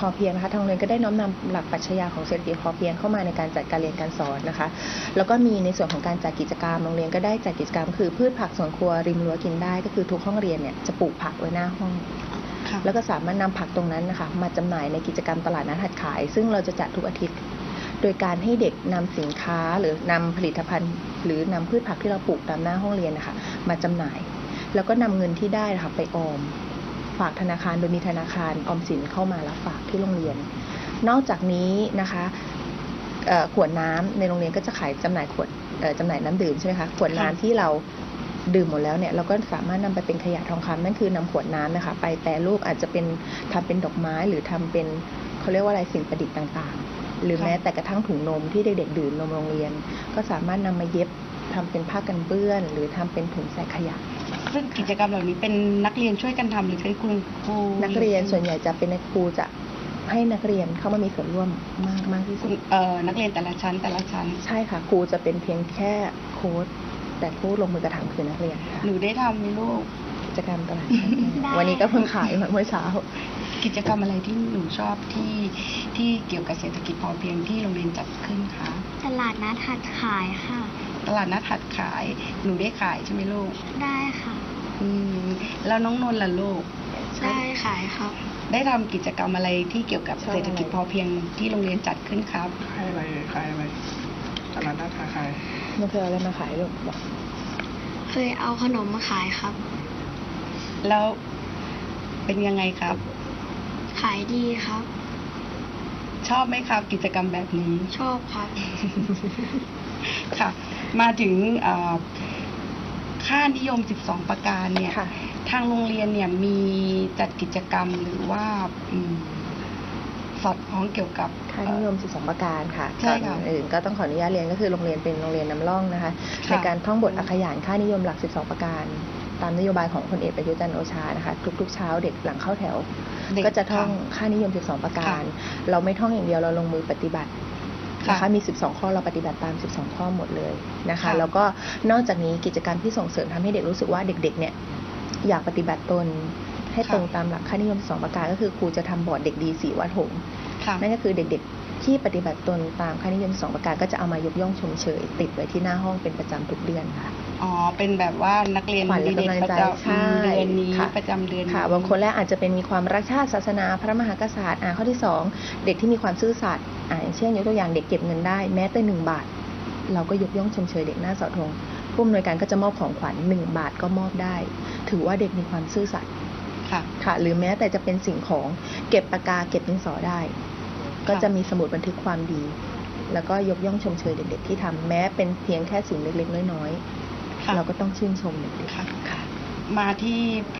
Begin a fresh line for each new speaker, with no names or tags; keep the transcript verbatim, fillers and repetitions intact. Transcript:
อเพียงนะคะทางโรงเรียนก็ได้น้อมนำหลักปรัชญาของเศรษฐกิจพอเพียงเข้ามาในการจัดการเรียนการสอนนะคะแล้วก็มีในส่วนของการจัดกิจกรรมโรงเรียนก็ได้จัดกิจกรรมคือพืชผักสวนครัวริมรั้วกินได้ก็คือทุกห้องเรียนเนี่ยจะปลูกผักไว้หน้าห้องแล้วก็สามารถนำผักตรงนั้นนะคะมาจำหน่ายในกิจกรรมตลาดนัดหัดขายซึ่งเราจะจัดทุกอาทิตย์โดยการให้เด็กนำสินค้าหรือนำผลิตภัณฑ์หรือนำพืชผักที่เราปลูกตามหน้าห้องเรียนนะคะมาจำหน่ายแล้วก็นำเงินที่ได้นะคะไปออมฝากธนาคารโดยมีธนาคารออมสินเข้ามารับฝากที่โรงเรียนนอกจากนี้นะคะขวดน้ำในโรงเรียนก็จะขายจำหน่ายขวดจำหน่ายน้ำดื่มใช่ไหมคะขวดน้ำที่เราดื่มหมดแล้วเนี่ยเราก็สามารถนำไปเป็นขยะทองคำนั่นคือนำขวดน้ำนะคะไปแปรรูปอาจจะเป็นทำเป็นดอกไม้หรือทำเป็นเขาเรียกว่าอะไรสิ่งประดิษฐ์ต่างๆหรือแม้แต่กระทั่งถุงนมที่เด็กๆดื่มนมโรงเรียนก็สามารถนำมาเย็บทำเป็นผ้ากันเปื้อนหรือทำเป็นถุงใส่ขยะ
ซึ่งกิจกรรมเหล่านี้เป็นนักเรียนช่วยกันทำหรือใช้คุณครู
นักเรียนส่วนใหญ่จะเป็นครูจะให้นักเรียนเข้ามามีส่วนร่วมมากมากที่สุด
เอ่อนักเรียนแต่ละชั้นแต่ละชั้น
ใช่ค่ะครูจะเป็นเพียงแค่โค้ชแต่ผู้ลงมือกระทำคือนักเรียนค่ะ
หนูได้ทำไหมลูก
กิจกรรมตลาดวันนี้ก็เพิ่งขายเมื่อเช้า
กิจกรรมอะไรที่หนูชอบที่ที่เกี่ยวกับเศรษฐกิจพอเพียงที่โรงเรียนจัดขึ้นคะ
ตลาดนัดหัดขายค่ะ
ตลาดนัดหัดขายหนูได้ขายใช่ไหมลูก
ได้ค่ะ
อืมแล้วน้องนนท์ล่ะลูก
ได้ขายครับ
ได้ทำกิจกรรมอะไรที่เกี่ยวกับเศรษฐกิจพอเพียงที่โรงเรียนจัดขึ้นครับ
ขายอะไรขายอะไรตลาดนัดขาย
มันเคยเอาอะไรมาขายลูกบอก
เคยเอาขนมมาขายครับ
แล้วเป็นยังไงครับ
ขายดีครับ
ชอบไหมครับกิจกรรมแบบนี้
ชอบครับ
ค่ะมาถึงค่านิยมสิบสองประการเนี่ยทางโรงเรียนเนี่ยมีจัดกิจกรรมหรือว่าสอดคล้องเกี่ยวกับ
ค่านิยมสิบสองประการค่ะก่อนอื่นก็ต้องขออนุญาตเรียนก็คือโรงเรียนเป็นโรงเรียนนำร่องนะคะในการท่องบทอักขยานค่านิยมหลักสิบสองประการตามนโยบายของพลเอกประยุทธ์จันทร์โอชานะคะทุกๆเช้าเด็กหลังเข้าแถวก็จะท่องค่านิยมสิบสองประการเราไม่ท่องอย่างเดียวเราลงมือปฏิบัตินะคะมีสิบสองข้อเราปฏิบัติตามสิบสองข้อหมดเลยนะคะแล้วก็นอกจากนี้กิจกรรมที่ส่งเสริมทำให้เด็กรู้สึกว่าเด็กๆเนี่ยอยากปฏิบัติตนให้ตรงตามหลักค่านิยมสิบสองประการก็คือครูจะทำบอร์ดเด็กดีสี่วัดหงส์นั่นก็คือเด็กๆที่ปฏิบัติตนตามค่านิยมสิบสองประการก็จะเอามายกย่องชมเชยติดไว้ที่หน้าห้องเป็นประจำทุกเดือนค่ะ
อ๋อเป็นแบบว่านักเรียนดีเด่นประจำเดือนนี้ประจำเดือน
ค่ะบางคนแรกอาจจะเป็นมีความรักชาติศาสนาพระมหากษัตริย์อ่าข้อที่สองเด็กที่มีความซื่อสัตย์อ่าอย่างเช่นยกตัวอย่างเด็กเก็บเงินได้แม้แต่หนึ่งบาทเราก็ยกย่องชมเชยเด็กหน้าเสาธงผู้อำนวยการก็จะมอบของขวัญหนึ่งบาทก็มอบได้ถือว่าเด็กมีความซื่อสัตย์ค่ะค่ะหรือแม้แต่จะเป็นสิ่งของเก็บปากกาเก็บดินสอได้ก็จะมีสมุดบันทึกความดีแล้วก็ยกย่องชมเชยเด็กๆที่ทำแม้เป็นเพียงแค่สิ่งเล็กๆน้อยๆเราก็ต้องชื่นชมเด็กๆค่ะ
มาที่